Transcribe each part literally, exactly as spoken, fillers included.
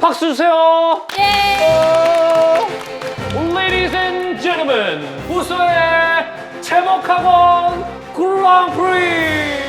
박수 주세요. 예. Ladies and gentlemen, 부서의 제목학원 그랑프리.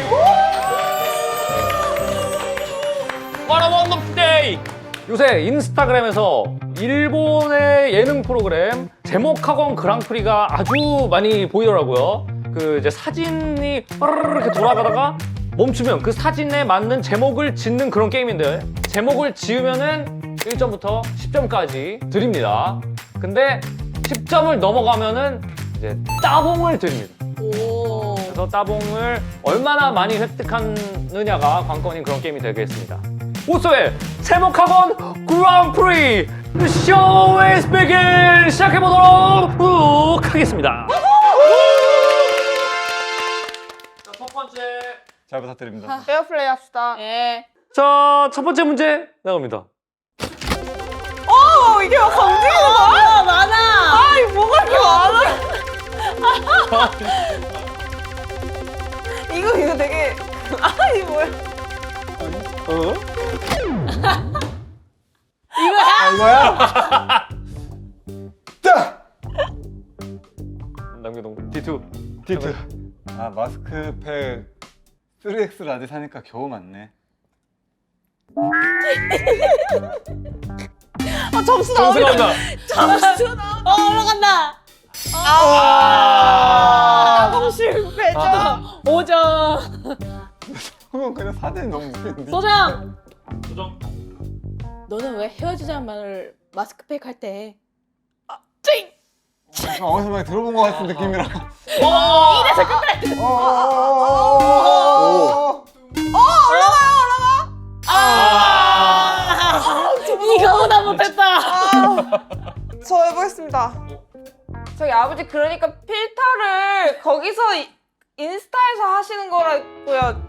What a wonderful day. 요새 인스타그램에서 일본의 예능 프로그램 제목학원 그랑프리가 아주 많이 보이더라고요. 그 이제 사진이 이렇게 돌아가다가 멈추면 그 사진에 맞는 제목을 짓는 그런 게임인데, 제목을 지으면은 일 점부터 십 점까지 드립니다. 근데 십 점을 넘어가면은 이제 따봉을 드립니다. 오. 그래서 따봉을 얼마나 많이 획득하느냐가 관건인 그런 게임이 되겠습니다. 오소의 제목학원 그랑프리 쇼 is begin 시작해보도록 하겠습니다. 자, 첫 번째. 잘 부탁드립니다. 에어플레이 합시다. 예. 자, 첫 번째 문제 나갑니다. 어, 이게 검증이가 많아, 많아. 아이, 뭐가 이렇게 많아? 이거, 이거 되게. 아이, 뭐야. 어? 이거야? 아, 이거야? 딱! 남겨동 디투. 디트. 아, 마스크팩 쓰리 엑스 라지 사니까 겨우 맞네. 아, 점수 점수 나오네. 나온다. 점수 나오네. 어, 올라간다. 아, 너무 실패죠. 오 점. 그건 그냥 사진이 너무 웃긴데. 소장, 소정. 너는 왜 헤어지자는 말을 마스크팩 할 때? 약간 어디서 많이 들어본 것 같은 느낌이라. 이래서 끝내. 어, 어, 어, 어, 어. 아, 이거보다 못했다. 저 해보겠습니다. 저희 아버지 그러니까 필터를 거기서 이- 인스타에서 하시는 거라고요.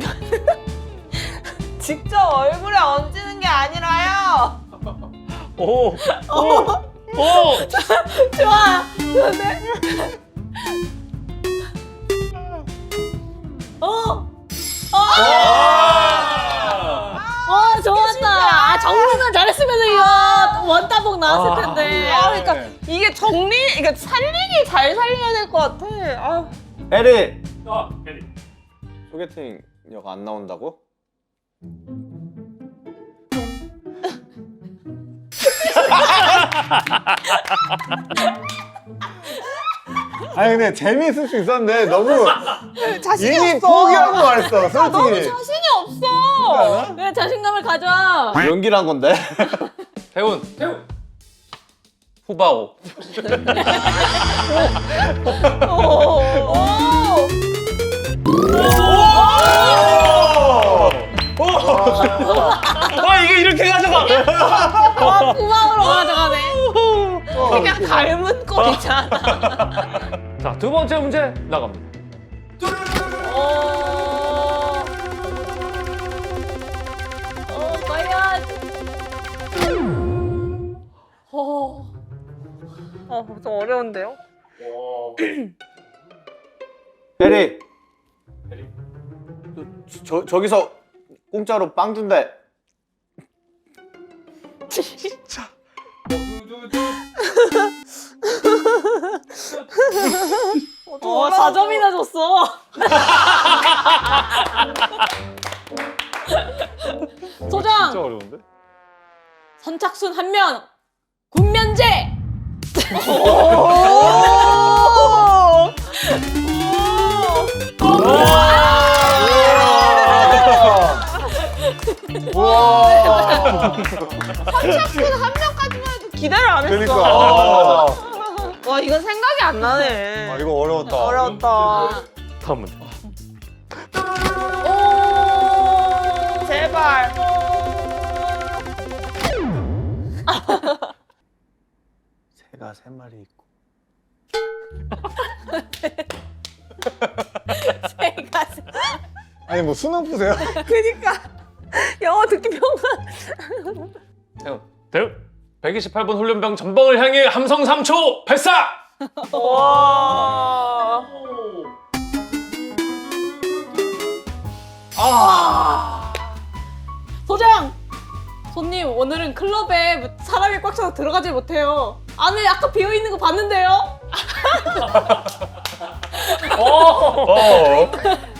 직접 얼굴에 얹는 게 아니라요. 오. 오. 오. 좋아. 좋은데? 어. 와, 좋았다. 아, 정리만 잘했으면 이거 원따봉 나왔을 텐데. 아, 그러니까 이게 정리, 그러니까 살리기 잘 살려야 될 것 같아. 아. 에리! 아, 에리. 소개팅 역 안 나온다고? 아니 근데 재미있을 수 있었는데 너무 자신이 이미 없어. 포기하고 말했어 솔직히. 아, 너무 자신이 없어. 그래, 자신감을 가져. 연기를 한 건데? 태훈. 태훈. 후바오. 오. 와, 이게 이렇게 가져가. 와, 구멍으로 가져가네. 그냥 닮은 꼴이잖아. 자, 두 번째 문제 나갑니다. 어. 어, 과연. 어. 어, 좀 어려운데요? 에리! 저, 저, 저기서 공짜로 빵 준대. 어, 사 점이나 줬어. 진짜 소장, 어려운데? 선착순 한 명, 군면제. 우와. 선착순 한 명까지만 해도 기대를 안 했어. 그러니까. 와, 이건 생각이 안 나네. 아 이거 어려웠다. 어려웠다. 다음 문제. 오. 제발. 새가 세 마리 있고. 새가 세- 아니 뭐 수능 푸세요? 그니까. 영어 듣기 평가. 태훈. 태훈. 백이십팔 번 훈련병 전방을 향해 함성 삼 초 발사! 와. 아. 소장! 손님 오늘은 클럽에 사람이 꽉 차서 들어가질 못해요. 안에 아까 비어 있는 거 봤는데요. 어. 어.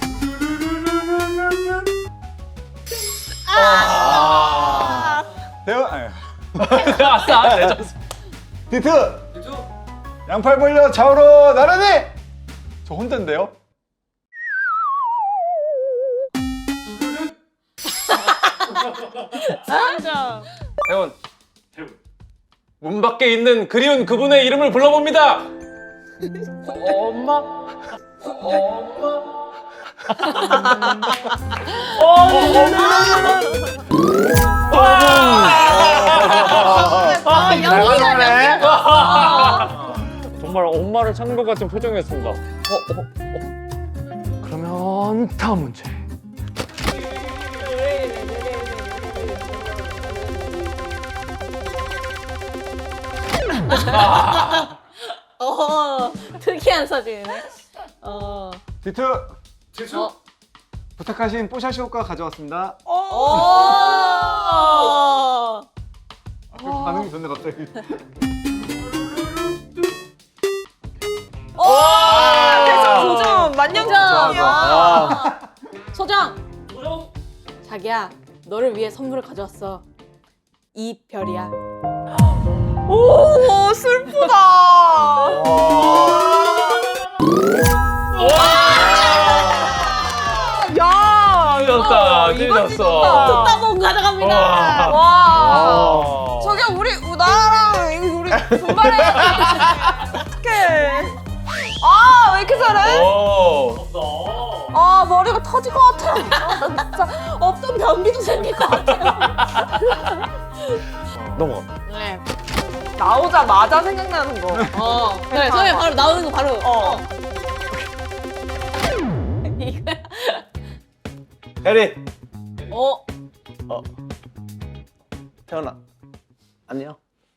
아. 대원 아니. 아싸 레전드. 디트. 양팔 벌려 좌우로 나란히. 저 혼자인데요? 진짜. 태훈. 문 밖에 있는 그리운 그분의 이름을 불러봅니다. 엄마. 엄마. 아, 연기가 정말 엄마를 찾는 것 같은 표정이었습니다. 어, 어, 어. 그러면 다음 문제. 어, 특이한 사진이네. 어. 디트. 어. 부탁하신 뽀샤시 효과 가져왔습니다. 오. 아, 그 반응이 좋네 갑자기. 아, 대성 도전 만년도전이야. 아. 소정. 자기야, 너를 위해 선물을 가져왔어. 이 별이야. 오, 슬프다. 야, 찢었다, 이거 찢었어. 찢었다. 따봉 가져갑니다. 와. 와. 아. 저기 우리 우나랑 이거 우리 분발해야 돼. 어떡해. 아, 왜 이렇게 잘해? 오. 아, 머리가 터질 것 같아. 아, 나 진짜 없던 변비도 생길 것 같아요. 넘어가. 네. 나오자마자 생각나는 거. 어, 그래, 소희 바로 나오는 거 바로. 어. 이거야. 혜리. 어, 어. 태연아. 안녕.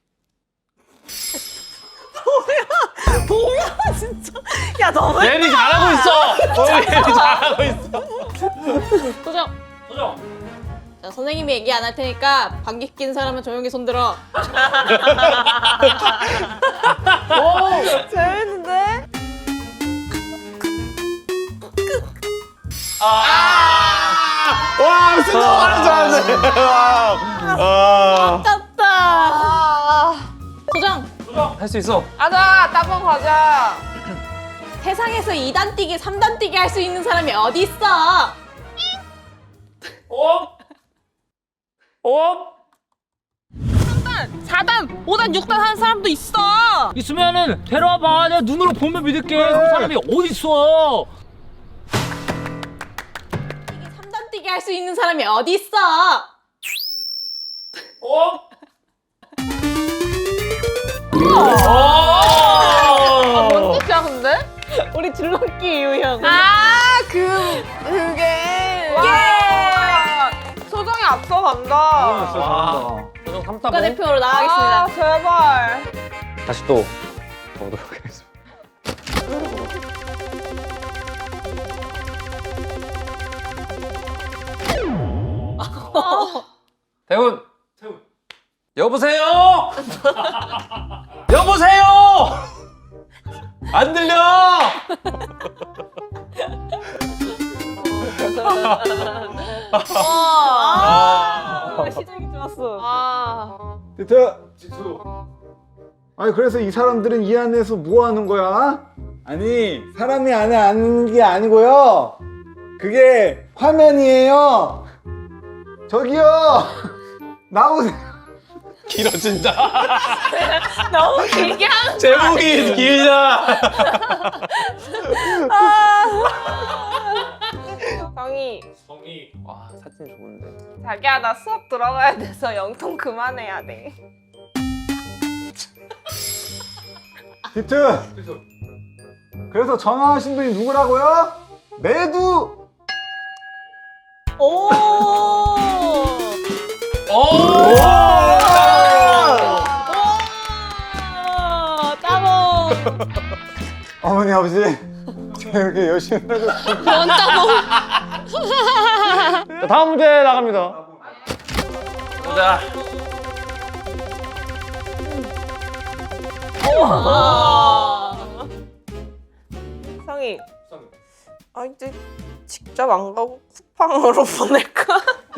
뭐야, 진짜. 야, 너무. 예리 잘하고 있어. 어, 예리 잘하고 있어. 소정. 소정. 자, 선생님이 얘기 안 할 테니까 방귀 낀 사람은 조용히 손들어. 재밌는데? 와, 진짜 말을 잘하네. 아. 아깝다. 아. 소정. 할 수 있어. 가자, 따봉 가자. 세상에서 이 단 뛰기, 삼 단 뛰기 할 수 있는 사람이 어디 있어? 어? 어? 사 단, 오 단, 육 단 하는 사람도 있어. 있으면은 데려와봐. 내가 눈으로 보면 믿을게. 그 사람이 어디 있어? 삼 단 뛰기 할 수 있는 사람이 어디 있어? 어? 아, 뭔 뜻이야, 근데? 우리 줄넘기 유형. 아, 그, 그게. 와. 소정이 앞서간다. 와. 소정 삼 따봉. 국가대표로 나가겠습니다. 아, 제발. 다시 또 가보도록 하겠습니다. 태훈. 태훈. 여보세요. 여보세요. 안 들려. 아, 시작이 좋았어. 아. 디트. 아니 그래서 이 사람들은 이 안에서 뭐 하는 거야? 아니 사람이 안에 앉는 게 아니고요. 그게 화면이에요. 저기요. 나오세요. 길어진다. 너무 길게 하는 제목이 길다. 정이. 성이. 와, 사진 좋은데. 자기야, 나 수업 들어가야 돼서 영통 그만해야 돼. 디트. 그래서 전화하신 분이 누구라고요? 매두. 오. 오. 오, 따봉. 어머니 아버지 제가 이렇게 열심히 하고 원 따봉. 자, 다음 문제 나갑니다. 자. 성희. 아 이제 직접 안 가고 쿠팡으로 보낼까?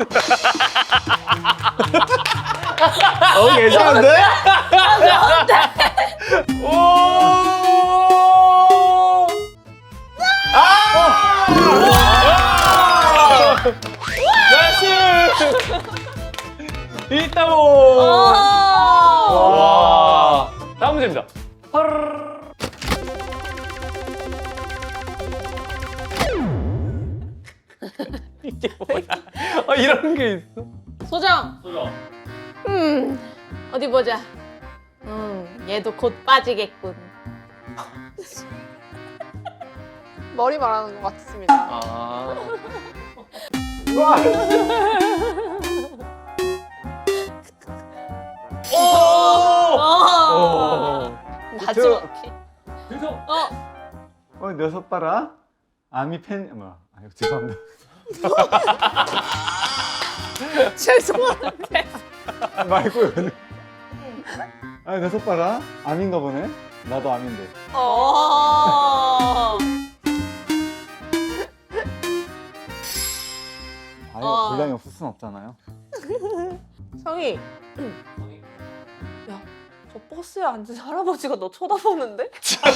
어 괜찮은데? 오! 아! 나이스! 있다고! 와. 다음 문제입니다. 헐. 이게 뭐야? 아, 이런 게 있어. 소정. 소정. 음 어디 보자. 음 얘도 곧 빠지겠군. 머리 말하는 것 같습니다. 아. 오! 어. 마지막에. 그래서 어. 어 녀석 봐라. 아미 팬 뭐야? 아 이거 죄송합니다. 죄송한데. 말고 왜? 아 녀석 봐라. 암인가 보네. 나도 암인데. 어. 아예 어. 분량이 없을 순 없잖아요. 성희. 야, 저 버스에 앉은 할아버지가 너 쳐다보는데?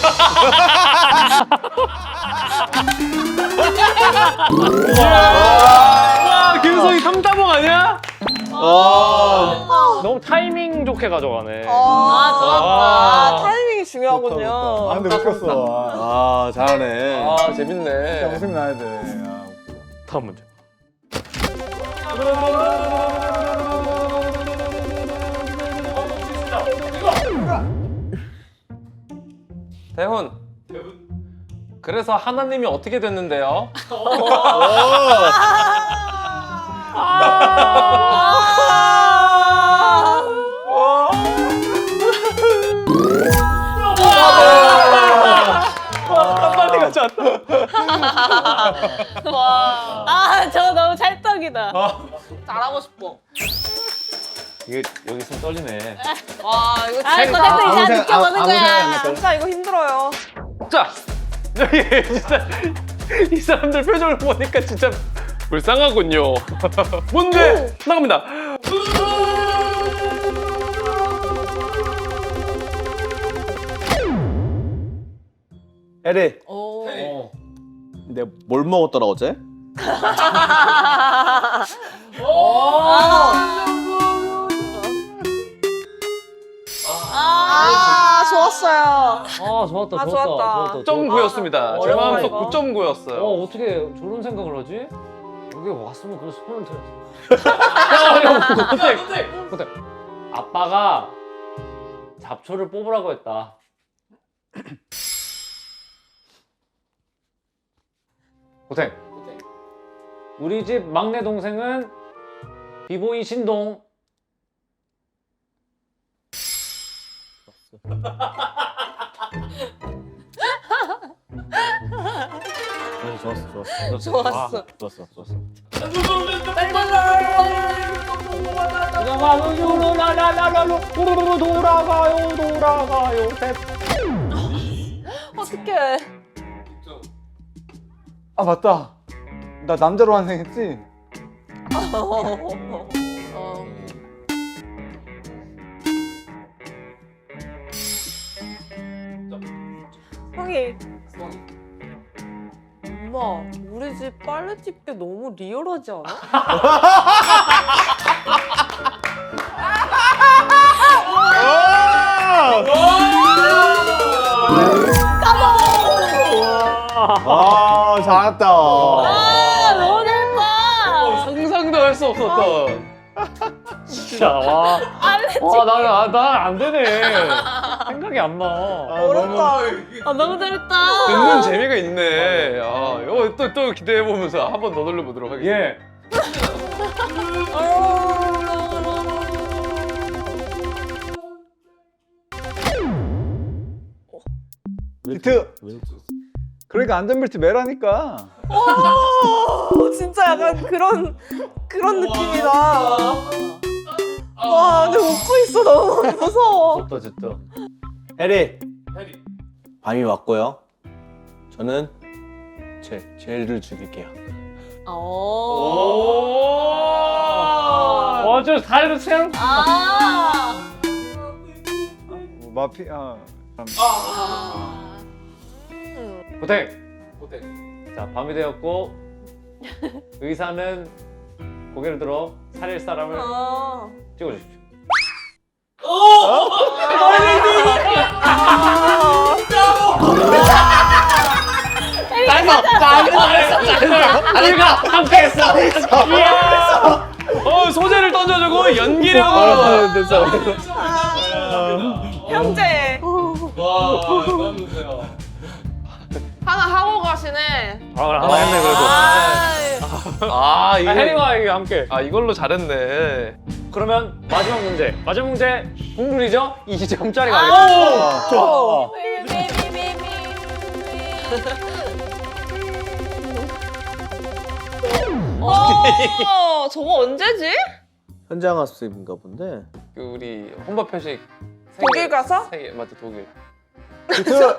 와, 김성희 삼다봉 아니야? 아, 너무 타이밍 좋게 가져가네. 아, 좋았다. 아, 타이밍이 좋다, 중요하군요. 좋다. 아 근데 웃겼어. 아, 아 잘하네. 아, 진짜 재밌네. 웃음 나야 돼. 아, 웃겨. 다음 문제. 대훈. 그래서 하나님이 어떻게 됐는데요? 빨리 가자. 아, 저 너무 찰떡이다. 잘하고 싶어. 이게 여기 있으면 떨리네. 와, 이거 아, 이거 됐다. 이제 느껴보는 거야. 진짜 이거 힘들어요. 자, 여기 진짜 이 사람들 표정을 보니까 진짜 불쌍하군요. 문제 나갑니다. 에리, 오. 어. 내가 뭘 먹었더라 어제? 아, 좋았어요. 아, 좋았다, 아, 좋았다, 좋았다. 구 점 구였습니다. 제 어려워, 마음속 이거. 구 점 구였어요. 어 어떻게 저런 생각을 하지? 여기 왔으면 그래서 손을 들었어. 고택, 근데 아빠가 잡초를 뽑으라고 했다. 고생. 우리 집 막내 동생은 비보이 신동. 좋았어, 좋았어, 좋았어. 좋았어. 아, 좋았어, 좋았어. 돌아가요, 돌아가요, 돌아가요. 어떡해. 아 맞다. 나 남자로 환생했지? 어. 형이. 엄마, 우리 집 빨래 집게 너무 리얼하지 않아? 아, 잘했다. 아, 너무 잘했다. 상상도 할 수 없었던. 진짜 와. 와 나는 아, 난안 되네. 생각이 안 나. 어렵다. 아, 너무 잘했다. 듣는 재미가 있네. 아, 이거 또, 또 기대해보면서 한 번 더 돌려보도록 하겠습니다. 예. 비트. 그러니까 안전벨트 매라니까. 어, 진짜 약간 그런 그런 느낌이다. 와, 근데 웃고 있어. 너무 무서워. 좋다 진짜. 해리. 해리. 밤이 왔고요. 저는 제 젤을 죽일게요. 오. 오. 어, 저 다리도 생. 아. 마피아. 고택. 고택. 자, 밤이 되었고 의사는 고개를 들어 살릴 사람을 아. 찍어주십시오. 짧아. 짧아. 우리가 함께했어. 이야. 어 소재를 던져주고 연기력으로. 됐어. 형제. 와, 너무 좋세요. 하나 하고 가시네. 아, 하나 했네 그래도. 아 아, 이게. 해리와 이게 함께. 아 이걸로 잘했네. 그러면 마지막 문제. 마지막 문제 동률이죠? 이 점짜리가 아. 아니고. 좋아. 어, 저거 언제지? 현장 학습인가 본데. 그 우리 혼밥 표식. 세 독일 개- 가서? 세 개, 맞아 독일. 비트.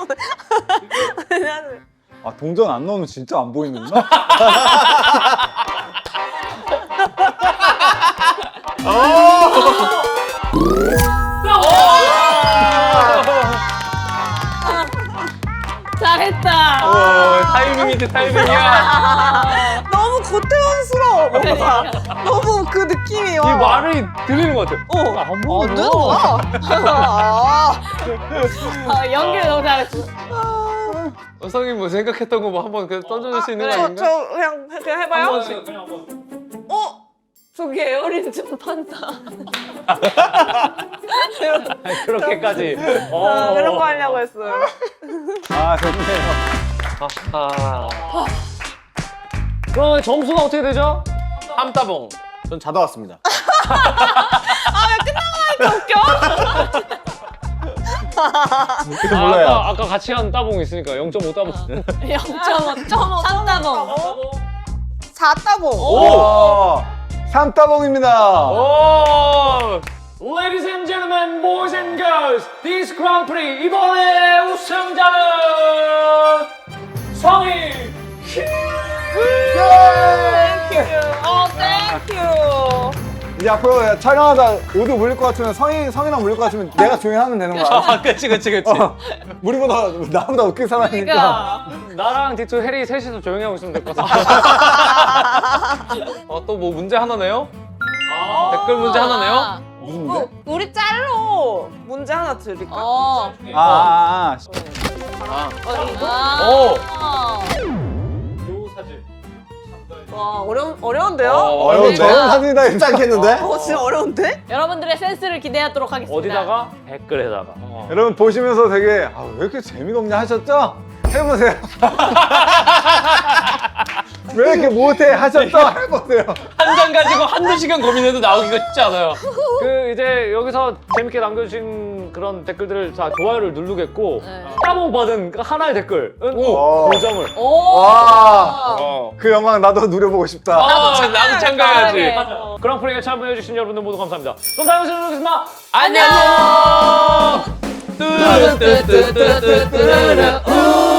아 동전 안 넣으면 진짜 안 보이는구나. 잘했다. 어, 타이밍이지 타이밍이야. 너무 고태원스러워. 뭔가. 너무 그 느낌이 이 와. 말이 들리는 것 같아요. 어. 안 안 보여. 되는 거야? 아. 아, 연기를 너무 잘했어. 어성이 뭐 생각했던 거 뭐 한번 그 던져줄 수 있는 거 저, 아닌가? 저 그냥 그냥 해봐요. 그냥 한번. 어? 저기 에어린 좀 판다. 아니, 그렇게까지. 어, 어. 그런 거 하려고 했어요. 아 좋네요. 아, 그럼 점수가 어떻게 되죠? 함따봉. 전 자다 왔습니다. 그때 몰라요. 아까, 아까 같이 한 따봉 있으니까 영 점 오 따봉. 영 점 오. 삼다봉. 잤다고. 오. 삼따봉입니다. 오! Ladies and gentlemen, boys and girls, this Grand Prix 이번의 우승자는 성희 어, 땡큐. 이제 앞으로 촬영하다 오드 물릴 것 같으면 성인 성인랑 물릴 것 같으면 내가 조용히 하면 되는 거야. 아, 그치 그치 그치. 어, 우리보다 나보다 웃긴 사람이니까. 그러니까. 나랑 디투 해리 셋이서 조용히 하고 있으면 될 것 같아. 어, 또 뭐 문제 하나 내요? 댓글 문제 하나 내요? 무슨데? 어, 우리 짤로 문제 하나 드릴까? 어. 아, 아, 아. 아. 오. 요 사진. 와, 어려, 어려운데요? 어, 어려운데? 그러니까. 사진이다. 쉽지 않겠는데? 어, 진짜 어려운데? 여러분들의 센스를 기대하도록 하겠습니다. 어디다가? 댓글에다가. 여러분 보시면서 되게 아, 왜 이렇게 재미가 없냐 하셨죠? 해보세요. 왜 이렇게 못해 하셨죠? 해보세요. 한 장 가지고 한두 시간 고민해도 나오기가 쉽지 않아요. 그 이제 여기서 재밌게 남겨주신 그런 댓글들을 다 좋아요를 누르겠고 네. 따봉 받은 그 하나의 댓글은 오. 오 점을. 오. 와. 어. 그 영광 나도 누려보고 싶다. 아, 나도 참가해야지. 네. 그랑프리에 참여해주신 여러분들 모두 감사합니다. 그럼 다음 시간에 뵙겠습니다. 안녕. 뚜루뚜뚜뚜뚜뚜루.